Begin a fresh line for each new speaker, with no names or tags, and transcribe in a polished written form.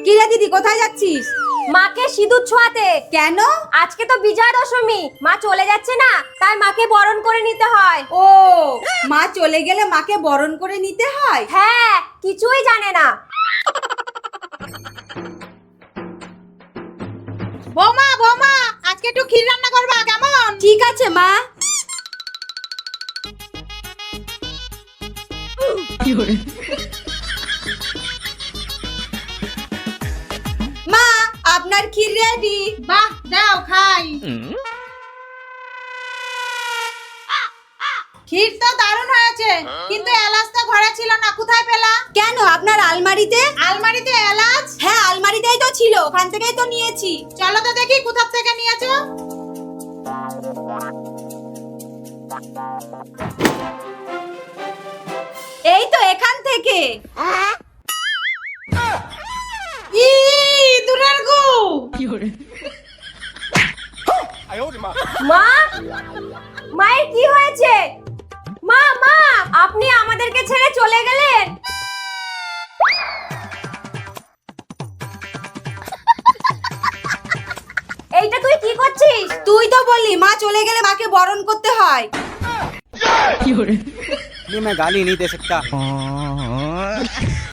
কি রে দিদি, কোথায় যাচ্ছিস?
মাকে সিঁদুর ছোঁয়াতে।
কেন?
আজকে তো বিজয়া দশমী, মা চলে যাচ্ছে না, তাই মাকে বরণ করে নিতে হয়।
ও, মা চলে গেলে মাকে বরণ করে নিতে হয়?
হ্যাঁ, কিছুই জানে না।
বৌমা বৌমা, আজকে একটু ক্ষীর রান্না করবা কেমন?
ঠিক আছে মা। মা, আপনার ক্ষীর রেডি।
বাহ, দাও খাই। ক্ষীর তো দারুণ হয়েছে, কিন্তু এলাচ তো ঘরে ছিল না, কোথায় পেলা?
কেন, আপনার আলমারিতে?
আলমারিতে এলাচ?
হ্যাঁ, আলমারিতেই তো ছিল, ওখান থেকেই তো নিয়েছি।
চলো তো দেখি কোথা থেকে নিয়েছো।
এই তো এখান থেকে।
ই দূরের গু।
মা, মায়ের কি হয়েছে? মা মা, আপনি আমাদেরকে ছেড়ে চলে গেলেন? এইটা তুই কি করছিস?
তুই তো বললি মা চলে গেলে মাকে বরণ করতে হয়।
नहीं मैं गाली नहीं दे सकता